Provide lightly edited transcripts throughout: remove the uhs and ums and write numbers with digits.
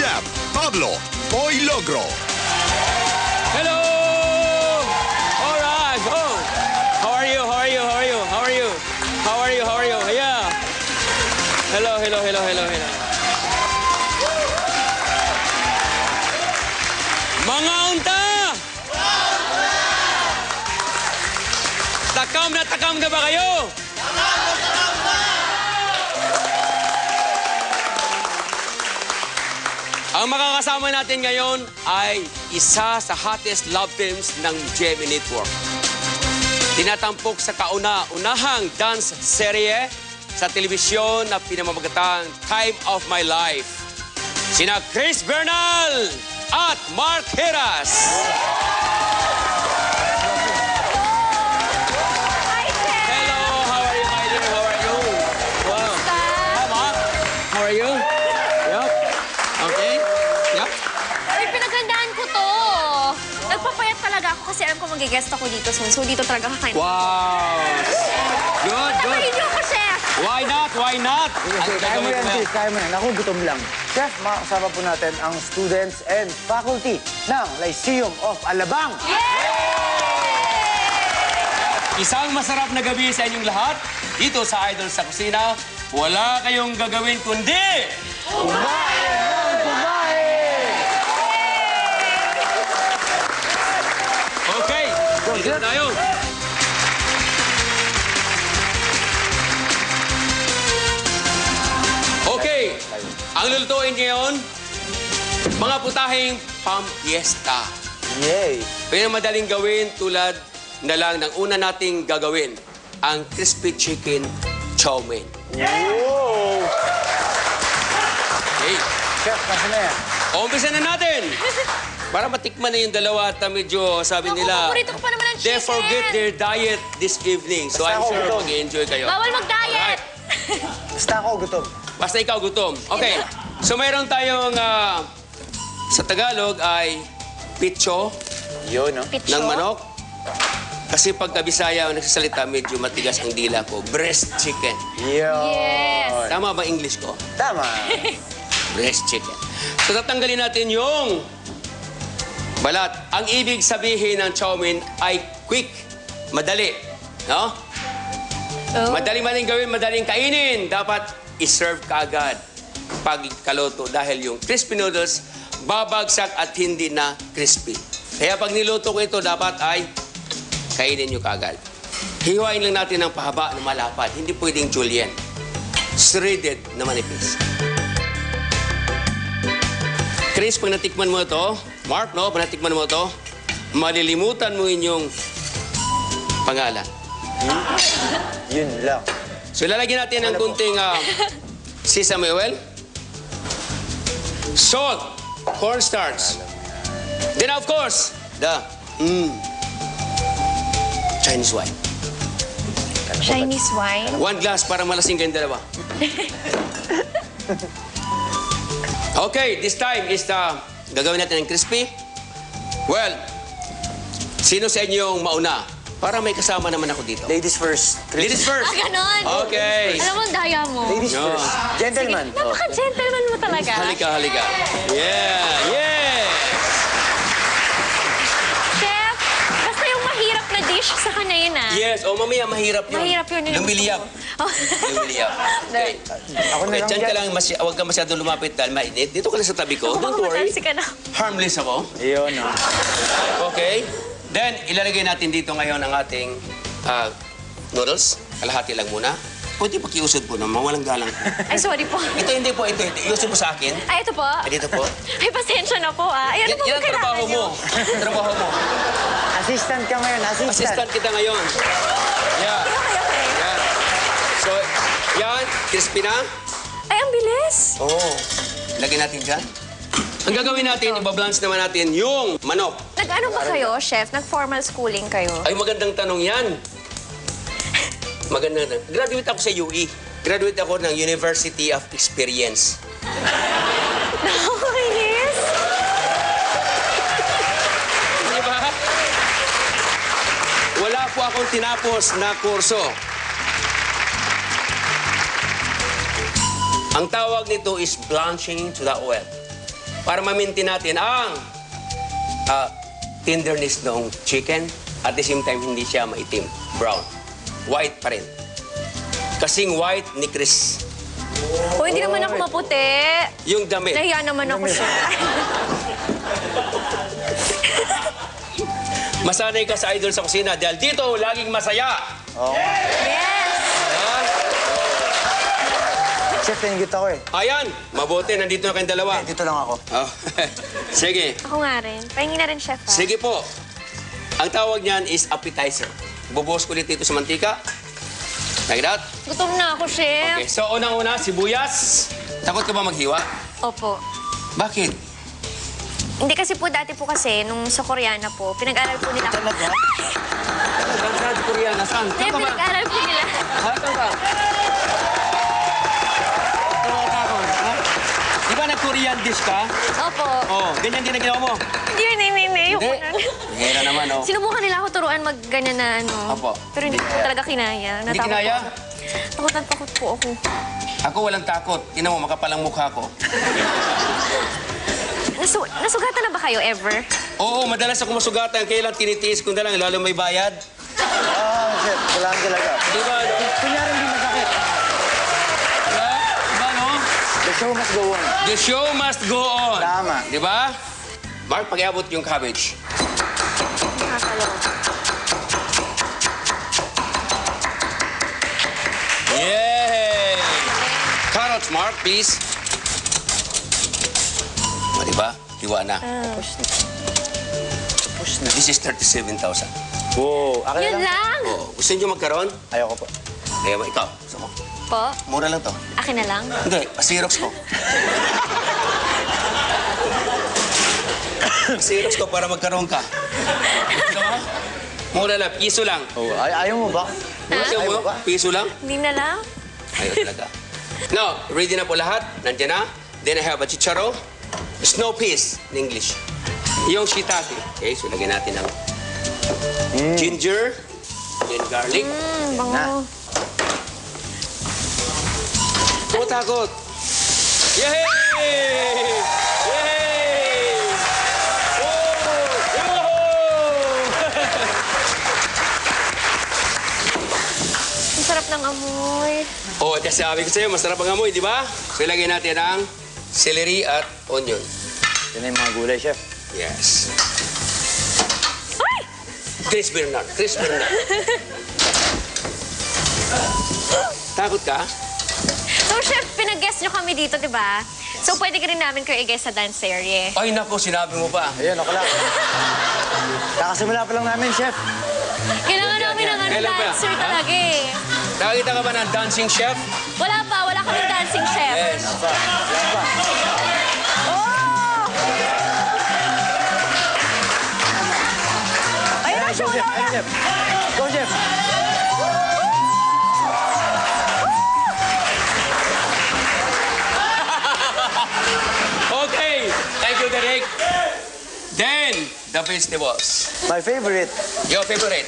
Chef Pablo Boy Logro. Hello! All right. Oh. How are you? How are you? How are you? How are you? How are you? How are you? Yeah. Hello, hello, hello, hello, hello. Mga unta! Takam na ba kayo? Ang makakasama natin ngayon ay isa sa hottest love teams ng GMA Network. Tinatampok sa kauna-unahang dance serye sa telebisyon na pinamamagatang Time of My Life. Sina Chris Bernal at Mark Heras. Hi, Chef! Hello, how are you, my dear? How are you? Wow. Hi, Mark. How are you? Yup. Okay. Yup. Ay, pinagandaan ko to. Nagpapayat talaga ako kasi alam ko mag-guest ako dito soon. So, dito talaga kakain. Wow. Good, good. Patayin niyo ako, Chef! Why not? Why not? Kaya mo yan, sis. Kaya mo yan. Ako, gutom lang. Chef, makakasama po natin ang students and faculty ng Lyceum of Alabang. Isang masarap na gabi sa inyong lahat. Dito sa Idol sa Kusina, wala kayong gagawin kundi... Kumain ng kumain! Okay, dito na tayo. Okay, ang lulutuin ngayon, mga putahing pampiesta. Yay! Kaya madaling gawin tulad na lang ng una nating gagawin, ang crispy chicken chow mein. Wow! Okay, Chef, nasa na yan? umpisa na natin. Para matikman na yung dalawa at medyo sabi Naku, nila, paborito ko pa naman ang they chicken. forget their diet this evening. So Basta I'm ako sure gutom. mag-enjoy kayo. Bawal mag-diet! Basta ako, gutom. Basta ikaw gutom. Okay, so mayroon tayong, sa Tagalog ay pitso Yun, no? Pitso. ng manok. Kasi pagka Bisaya ang nagsasalita, medyo matigas ang dila ko. Breast chicken. Yun. Yes. Tama ba English ko? Tama. Breast chicken. So tatanggalin natin yung balat. Ang ibig sabihin ng chow mein ay quick, madali. No? Oh. Madaling gawin, madaling kainin. Dapat i-serve ka agad pag kaluto dahil yung crispy noodles babagsak at hindi na crispy. Kaya pag niluto ko ito, dapat ay kainin nyo kaagad. Hiwain lang natin ng pahaba na malapad. Hindi pwedeng julienne. Shredded na manipis. Chris, pag natikman mo ito, Mark, no? Pag natikman mo ito, malilimutan mo inyong pangalan. Yun lang. So, ilalagyan natin ng kunting sesame oil, salt, cornstarch. Then, of course, the Chinese wine. Chinese wine. 1 glass para malasing kayong dalawa. Okay, this time is gagawin natin ng crispy. Well, sino sa inyo yung mauna? Para may kasama naman ako dito. Ladies first. Ladies first. Ah, ganon. Okay. Alam mo, ang daya mo. Ladies No. first. Gentlemen. Napaka-gentleman mo talaga. Halika, halika. Yeah, yes. Chef, basta yung mahirap na dish sa kanya yun, ah. Yes, o mamaya mahirap yun. Mahirap yun. Lumiliyap. Oh. Lumiliyap. Okay. Ako na Okay, lang dyan ka dyan. lang, huwag ka masyadong lumapit dahil mainit. Dito ka lang sa tabi ko. Ako, Don't worry. matalsik ka na. Harmless ako. Yun, no? Okay. Then, ilalagay natin dito ngayon ang ating noodles. Kalahati lang muna. Pwede pakiusod po naman, walang galang po. Ay, sorry po. Ito, hindi po, ito. Iusod mo sa akin. Ay, ito po. Ay, dito po. Ay, pasensya na po, ah. Ay, ano po Yan ang trabaho mo. Trabaho mo. Assistant ka ngayon, assistant. Assistant kita ngayon. Yeah. Okay, okay. Yan. So, yan. Crispy na. Ay, ang bilis. Oo. Lagyan natin dyan. Ang gagawin natin, ibabalance naman natin yung manok. Nag-ano ba kayo, chef? Nag-formal schooling kayo? Ay, magandang tanong yan. Magandang tanong. Graduate ako sa UE. Graduate ako ng University of Experience. Nakakainis. Di ba? Wala po akong tinapos na kurso. Ang tawag nito is blanching to the oil. para ma-maintain natin ang tenderness ng chicken. At the same time, hindi siya maitim. Brown. White pa rin. Kasing white ni Chris. O, hindi naman ako maputi. Yung damit. Nahiya naman ako siya. Masanay ka sa idol sa kusina dahil dito laging masaya. Yes! Ah, Chef, tinigit ako eh. ayan, mabuti. Nandito na kayong dalawa. Dito lang ako. Oh. Sige. Ako nga rin. Pahingin na rin, chef. Sige po. Ang tawag niyan is appetizer. Bubuhos ko ulit dito sa mantika. Like that. Gutom na ako, chef. Okay, so unang-una, sibuyas. Takot ka ba maghiwa? Opo. Bakit? Hindi kasi po, dati po kasi, nung sa Koreana po, pinag-aral po nila. Talaga? Saan sa Korea? Nasaan? Hindi, Saan ka ba? pinag-aral po nila. Saan ka? Tumatakot, ha? Di ba nag-Korean dish ka? Opo. Oo, ganyan din ang ginawa mo. Hindi, ayoko Hindi. na. Hira naman, oh. Sinubukan nila ako turuan mag-ganyan na ano. Opo. Pero hindi ko talaga kinaya. Hindi Natakot kinaya? ako. Takot na takot po ako. Ako walang takot. Tingnan mo, makapalang mukha ko. Nasugatan na ba kayo ever? Oo, madalas ako masugatan. Kailan tinitiis ko na lang, lalo may bayad. Chef, kailangan talaga. Di ba, no? Kunyari hindi masakit. Ha? Di ba, no? The show must go on. The show must go on. Tama. Di ba? Mark, pag-iabot yung cabbage. Nakakaloko. Yay! Carrots, Mark, please. O, di ba? Hiwa na. Push na. This is 37,000. Wow. Akin Yun lang. lang? Oh, gusto niyo magkaroon? Ayoko po. Kaya ba, ikaw? Gusto mo? Po? Mura lang to. Akin na lang? Hindi, Xerox ko. Xerox ko para magkaroon ka. Gusto mo? Mura lang, piso lang. Oh, ayaw mo ba? Gusto mo? Ayaw mo ba? Piso lang? Hindi na lang? Ayaw talaga. Now, ready na po lahat. Nandiyan na. Then I have a chicharo. Snow peas in English. Yung shiitake. Okay, so lagyan natin ng ginger. Then garlic. Bango. Takot. Yay! Yay! Oh! Ang sarap ng amoy. Oh, kasi sabi ko sa'yo, masarap ang amoy, di ba? So ilagay natin ang celery at onion. Yan yung mga gulay, chef. Yes. Ay! Chris Bernard. Chris Bernard. Takot ka? So, chef, pinag-guest nyo kami dito, di ba? So, pwede ka rin namin kayo i-guest sa dance serye. Ay, nako, sinabi mo pa. Ayun, ako lang. Kakasimula pa lang namin, chef. Kailangan namin ng ano, Kailan ba? dancer Ha? talaga eh. Nakakita ka ba ng dancing chef? Wala pa, wala kaming dancing chef. Yes. Yan pa. Oh! Ayun na, Go, show chef. na! Ayun, chef. Go, chef. Okay. Thank you, Derek. Then, the vegetables. My favorite. Your favorite.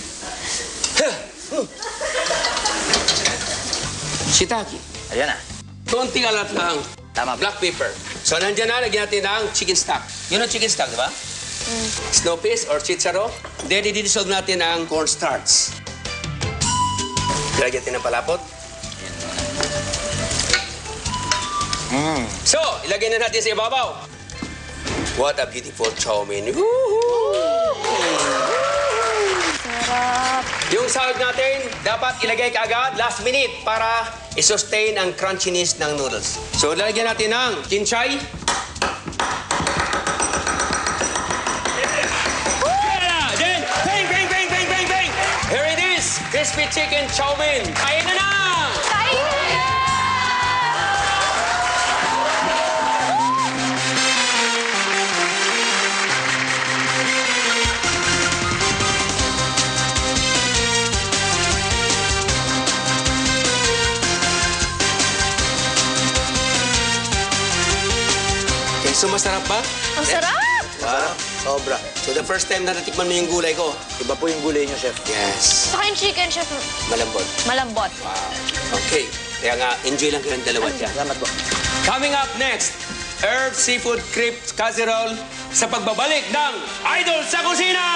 Shiitake. Ayan na. Konting alat lang. Tama. Black pepper. So, nandiyan na, lagyan natin ng chicken stock. Yun ang chicken stock, di ba? Snow peas or chicharo. Then, i-dissolve natin ang cornstarch. Lagyan natin ng palapot. So, ilagay na natin sa ibabaw. What a beautiful chow mein. Sarap. Yung sahog natin, dapat ilagay kaagad last minute para i-sustain ang crunchiness ng noodles. So, lalagyan natin ng kinchay. Yeah! Then, bang, bang, bang, bang, bang, bang! Here it is, crispy chicken chow mein. Kain na na! Kain na! Okay, so masarap ba? Ang sarap! Wow. Sobra. So, the first time na natikman mo yung gulay ko. Iba po yung gulay niyo, chef. Yes. Saka yung chicken, chef, Malambot. malambot. Wow. Okay. Kaya nga, enjoy lang kayong dalawa dyan. Salamat po. Coming up next, Herb Seafood Crepe Casserole sa pagbabalik ng Idol sa Kusina!